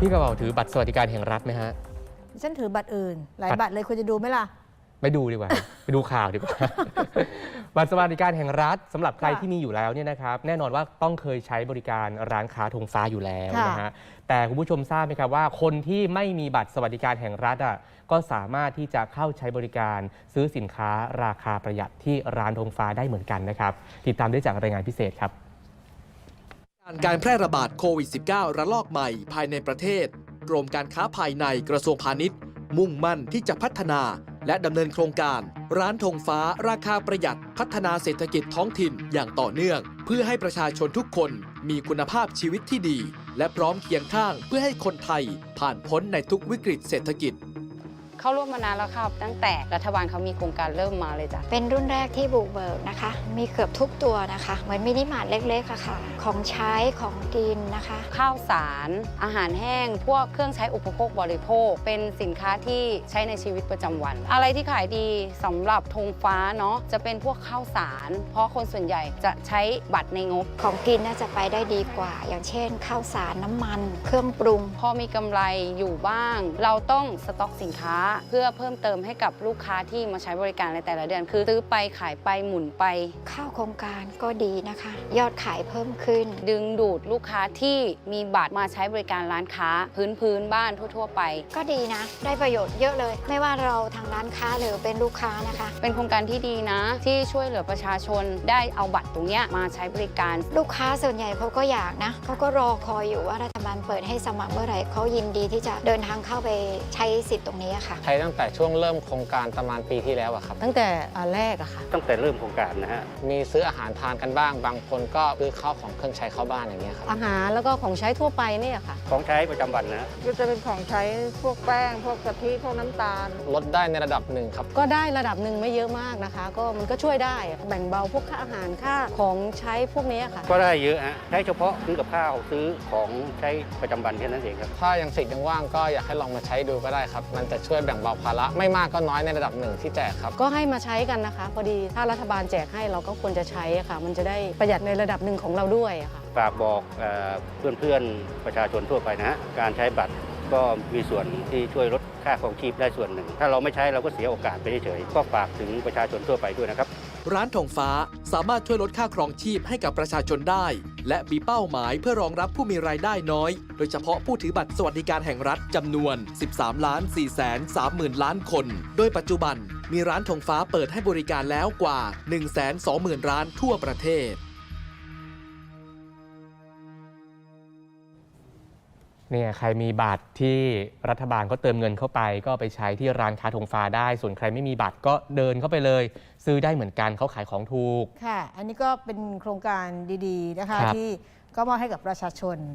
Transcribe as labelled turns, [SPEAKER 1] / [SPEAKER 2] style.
[SPEAKER 1] พี่กระเป๋าถือบัตรสวัสดิการแห่งรัฐไหมฮะ
[SPEAKER 2] ฉันถือบัตรอื่นหลายบัตรเลยควรจะดูไหมล่ะ
[SPEAKER 1] ไม่ดูดีกว่า ไปดูข่าวดีกว่า บัตรสวัสดิการแห่งรัฐสำหรับใครที่มีอยู่แล้วเนี่ยนะครับแน่นอนว่าต้องเคยใช้บริการร้านค้าธงฟ้าอยู่แล้วนะฮะแต่คุณผู้ชมทราบไหมครับว่าคนที่ไม่มีบัตรสวัสดิการแห่งรัฐก็สามารถที่จะเข้าใช้บริการซื้อสินค้าราคาประหยัดที่ร้านธงฟ้าได้เหมือนกันนะครับติดตามได้จากรายงานพิเศษครับ
[SPEAKER 3] การแพร่ระบาดโควิด -19 ระลอกใหม่ภายในประเทศกรมการค้าภายในกระทรวงพาณิชย์มุ่งมั่นที่จะพัฒนาและดำเนินโครงการร้านธงฟ้าราคาประหยัดพัฒนาเศรษฐกิจท้องถิ่นอย่างต่อเนื่องเพื่อให้ประชาชนทุกคนมีคุณภาพชีวิตที่ดีและพร้อมเคียงข้างเพื่อให้คนไทยผ่านพ้นในทุกวิกฤตเศรษฐกิจ
[SPEAKER 4] เข้าร่วมมานานแล้วครับตั้งแต่รัฐบาลเขามีโครงการเริ่มมาเลยจ้ะ
[SPEAKER 5] เป็นรุ่นแรกที่บุกเบิกนะคะมีเกือบทุกตัวนะคะเหมือนมินิมาร์ทเล็กๆค่ะของใช้ของกินนะคะ
[SPEAKER 4] ข้าวสารอาหารแห้งพวกเครื่องใช้อุปโภคบริโภคเป็นสินค้าที่ใช้ในชีวิตประจำวันอะไรที่ขายดีสำหรับธงฟ้าเนาะจะเป็นพวกข้าวสารเพราะคนส่วนใหญ่จะใช้บัตรในงบ
[SPEAKER 5] ของกินน่าจะไปได้ดีกว่าอย่างเช่นข้าวสารน้ำมันเครื่องปรุง
[SPEAKER 4] พอมีกำไรอยู่บ้างเราต้องสต็อกสินค้าเพื่อเพิ่มเติมให้กับลูกค้าที่มาใช้บริการในแต่ละเดือนคือซื้อไปขายไปหมุนไป
[SPEAKER 5] เข้าโครงการก็ดีนะคะยอดขายเพิ่มขึ้น
[SPEAKER 4] ดึงดูดลูกค้าที่มีบัตรมาใช้บริการร้านค้าพื้นบ้านทั่วๆไป
[SPEAKER 5] ก็ดีนะได้ประโยชน์เยอะเลยไม่ว่าเราทางร้านค้าหรือเป็นลูกค้านะคะ
[SPEAKER 4] เป็นโครงการที่ดีนะที่ช่วยเหลือประชาชนได้เอาบัตรตรงนี้มาใช้บริการ
[SPEAKER 5] ลูกค้าส่วนใหญ่เขาก็อยากนะเขาก็รอคอยอยู่ว่ารัฐบาลเปิดให้สมัครเมื่อไหร่เขายินดีที่จะเดินทางเข้าไปใช้สิทธิ์ตรงนี้ค่ะ
[SPEAKER 6] ใช้ตั้งแต่ช่วงเริ่มโครงการประมาณปีที่แล้วครับ
[SPEAKER 2] ตั้งแต่แรกค่ะ
[SPEAKER 7] ตั้งแต่เริ่มโครงการนะฮะ
[SPEAKER 6] มีซื้ออาหารทานกันบ้างบางคนก็ซื้อข้าวของเครื่องใช้เข้าบ้านอย่างเงี้ยครับ
[SPEAKER 2] อาหารแล้วก็ของใช้ทั่วไปเนี่ยค่ะ
[SPEAKER 7] ของใช้ประจำวันนะ
[SPEAKER 8] ก็จะเป็นของใช้พวกแป้งพวกกะทิพวกน้ำตาล
[SPEAKER 6] ลดได้ในระดับหนึ่งครับ
[SPEAKER 2] ก็ได้ระดับหนึ่งไม่เยอะมากนะคะก็มันก็ช่วยได้แบ่งเบาพวกค่าอาหารค่าของใช้พวกนี้ค่ะ
[SPEAKER 7] ก็ได้เยอะฮะใช้เฉพาะซื้อกับข้าวซื้อของใช้ประจำวันแค่นั้นเองครับ
[SPEAKER 6] ถ้ายังสิทธิ์ยังว่างก็อยากให้ลองมาใช้ดูก็ได้ครับมันจะช่วยแบ่งเบาภาระไม่มากก็น้อยในระดับหนึ่งที่แจกครับ
[SPEAKER 2] ก็ให้มาใช้กันนะคะพอดีถ้ารัฐบาลแจกให้เราก็ควรจะใช้ค่ะมันจะได้ประหยัดในระดับหนึ่งของเราด้วยค่ะ
[SPEAKER 7] ฝากบอกเพื่อนๆประชาชนทั่วไปนะฮะการใช้บัตรก็มีส่วนที่ช่วยลดค่าครองชีพได้ส่วนหนึ่งถ้าเราไม่ใช้เราก็เสียโอกาสไปเฉยๆก็ฝากถึงประชาชนทั่วไปด้วยนะครับ
[SPEAKER 3] ร้านธงฟ้าสามารถช่วยลดค่าครองชีพให้กับประชาชนได้และมีเป้าหมายเพื่อรองรับผู้มีรายได้น้อยโดยเฉพาะผู้ถือบัตรสวัสดิการแห่งรัฐจำนวน 13,430,000 ล้านคนโดยปัจจุบันมีร้านธงฟ้าเปิดให้บริการแล้วกว่า 120,000 ร้านทั่วประเทศ
[SPEAKER 1] เนี่ยใครมีบัตรที่รัฐบาลก็เติมเงินเข้าไปก็ไปใช้ที่ร้านค้าธงฟ้าได้ส่วนใครไม่มีบัตรก็เดินเข้าไปเลยซื้อได้เหมือนกันเขาขายของถูก
[SPEAKER 2] ค่ะอันนี้ก็เป็นโครงการดีๆนะคะที่ก็มอบให้กับประชาชน